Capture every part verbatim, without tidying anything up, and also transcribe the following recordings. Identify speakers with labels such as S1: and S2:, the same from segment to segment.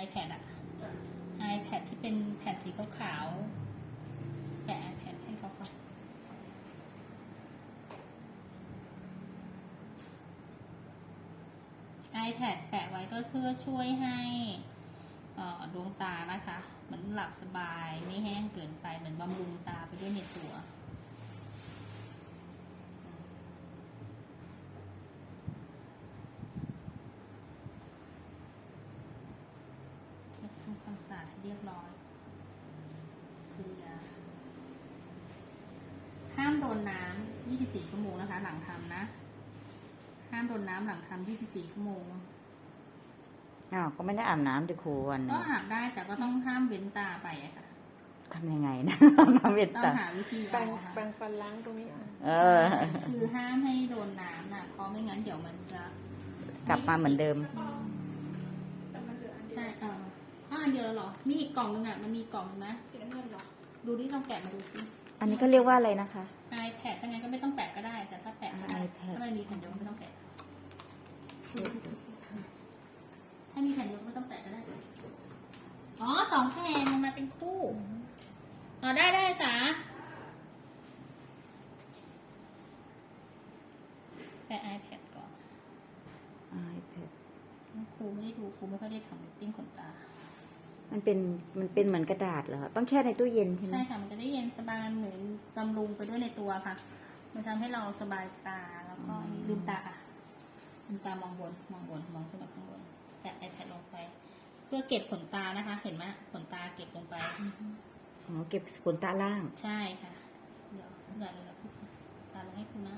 S1: iPad อะ iPad ที่เป็นแผ่นสีขาวๆแปะ iPad ให้เขาก่อนiPad แปะไว้ก็เพื่อช่วยให้ดวงตานะคะเหมือนหลับสบายไม่แห้งเกินไปเหมือนบำรุงตาไปด้วยในตัวเช็ดทำความสะอาดให้เรียบร้อยคือยาห้ามโดนน้ำยี่สิบสี่ชั่วโมงนะคะหลังทำนะห้ามโดนน้ำหลังทำยี่สิบสี่ชั่วโมง
S2: อ้าวก็ไม่ได้อาบน้ำดิครูวัน
S1: ก็อาบได้แต่ก็ต้องห้ามเว้นตาไปอะค่ะ
S2: ทำยังไงนะน้ำเว้น
S1: ตาต้องหาวิธี
S3: แปร
S1: เอา
S3: ง
S1: ค่ะ
S3: แปรงฟันล้างตรงนี้
S2: เออ
S1: คือห้ามให้โดนน้ำนะเพราะไม่งั้นเดี๋ยวมันจะ
S2: กลับมาเหมือนเดิม
S1: ใช่เอออ้าวอันเดียวแล้วหรอมีอีกกล่องนึงอ่ะมันมีกล่องนะสีน้ำเงินหรอดูดิลองแกะมาดูสิ
S2: อันนี้ก็เรียกว่าอะไรนะคะ
S1: iPad ถ้างั้นก็ไม่ต้องแปะก็ได้แต่ถ้าแปะก็ได้
S2: iPad
S1: ถ้ามันมีแผ่นเดียวก็ไม่ต้องแปะถ้ามีแผ่นเดียวก็ไม่ต้องแปะก็ได้อ๋อสองแผ่นมันมาเป็นคู่อ๋อได้ได้สาแปะ iPad ก่อน
S2: iPad
S1: ครูไม่ได้ดูครูไม่ค่อยได้ทำจิ้มขนตา
S2: มันเป็นมันเป็นเหมือนกระดาษเหรอต้องแช่ในตู้เย็นใช่ไหม
S1: ใช่ค่ะมันจะได้เย็นสบายเหมือนบำรุงไปด้วยในตัวค่ะมันทำให้เราสบายตาแล้วก็ลืมตาค่ะลืมตามองบนมองบนมองขึ้นมาข้างบนแปะ iPad ลงไปเพื่อเก็บขนตานะคะ เห็นไหมขนตาเก็บลงไป
S2: อ๋อเก็บขนตาล่าง
S1: ใช่ค่ะเดี๋ยวเดี๋ยวเลยพูดตาลงให้คุณนะ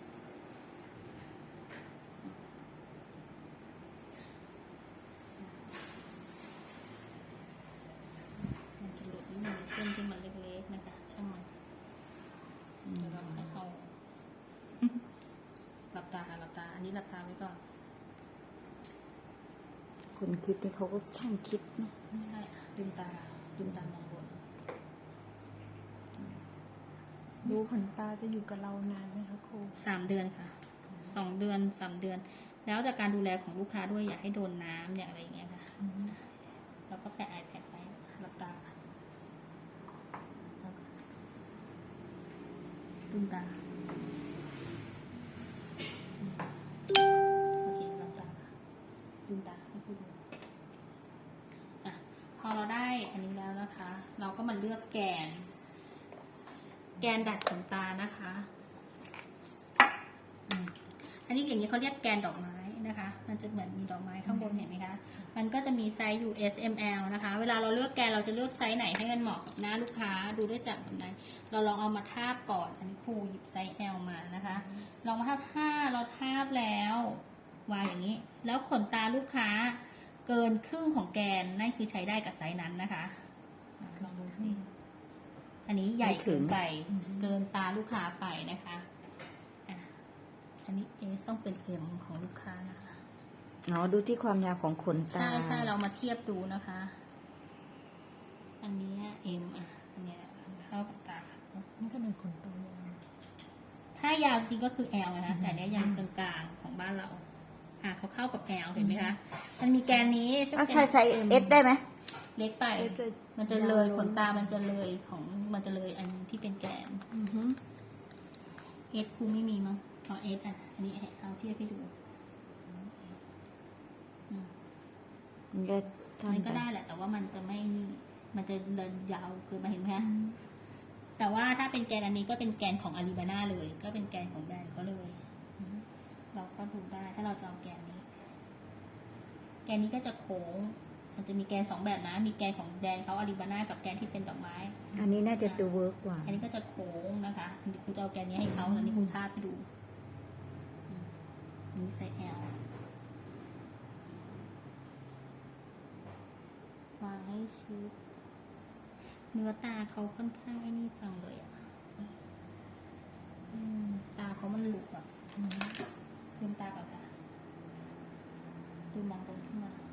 S1: มันจะหลุดนิดนึงเส้นที่มันเล็กๆนะคะช่างมันเดี๋ยวเราให้เขาหลับตาค่ะหลับตาอันนี้หลับตาไว้ก่อน
S2: คนคิดนี่เขาก็ช่างคิดเนาะ
S1: ใช่ลืมตาลืมตามองบน
S3: ดูขนตาจะอยู่กับเรานานไหมคะครู
S1: สามเดือนค่ะสองเดือนสามเดือนแล้วจากการดูแลของลูกค้าด้วยอยากให้โดนน้ำเนี่ยอะไรอย่างเงี้ยค่ะเราก็แปะ iPad ไว้หลับตาลืมตาโอเคหลับตาลืมตาให้คุณดูอ่ะพอเราได้อันนี้แล้วนะคะ เราก็มาเลือกแกนแกนดัดขนตานะคะอันนี้อย่างนี้เขาเรียกแกนดอกไม้นะคะมันจะเหมือนมีดอกไม้ข้างบนเห็นไหมคะมันก็จะมีไซส์ ยู เอส เอ็ม แอล นะคะเวลาเราเลือกแกนเราจะเลือกไซส์ไหนให้มันเหมาะกับหน้าลูกค้าดูได้จากแบบไหนเราลองเอามาทาบก่อนอันนี้ครูหยิบไซส์ L มานะคะลองมาทาบถ้าเราทาบแล้ววางอย่างนี้แล้วขนตาลูกค้าเกินครึ่งของแกนนั่นคือใช้ได้กับไซส์นั้นนะคะลองดูสิอันนี้ใหญ่เกินไปเกินตาลูกค้าไปนะคะอ่ะอันนี้เอสต้องเป็นเอ็มของลูกค้านะคะ
S2: อ๋อดูที่ความยาวของขนตา
S1: ใช่ใช่เรามาเทียบดูนะคะ อันนี้เอ็มอ่ะอันเนี้ยเข้ากับตา
S3: นี่ก็เป็นขนตายาว
S1: ถ้ายาวจริงก็คือ L นะคะแต่เนี้ยยังกลางๆของบ้านเราอ่ะเขาเข้ากับ L เห็นไหมคะมันมีแกนนี้ซึ่งเป็น
S2: ใช่ไซส์ S ได้ไหม
S1: เล็กไปมันจะเลยขนตามันจะเลยของมันจะเลยอันที่เป็นแกนเอสครูไม่มีมั้งเอาเอสอ่ะอันนี้เอาเทียบให้ดู
S2: มันก็
S1: มันก็ได้แหละแต่ว่ามันจะไม่มันจะเดินยาวเกินมาเห็นไหมคะแต่ว่าถ้าเป็นแกนอันนี้ก็เป็นแกนของอาลีบาน่าเลยก็เป็นแกนของแบรนด์เขาเลยเราก็ดูได้ถ้าเราจะเอาแกนนี้แกนนี้ก็จะโค้งมันจะมีแกนสองแบบนะมีแกนของแบรนด์เขาอาลีบาน่ากับแกนที่เป็นดอกไม้
S2: อันนี้น่าจะดูเวิร์กกว่า
S1: อันนี้ก็จะโค้งนะคะอันนี้คุณจะเอาแกนนี้ให้เขาอันนี้คุณภาพไปดูนี่ไซส์ L วางให้ชิดเนื้อตาเขาค่อนข้างไอ้นี่จังเลยอ่ะตาเขามันหลุดแบบลืมตาก่อนค่ะดูมองบนขึ้นมา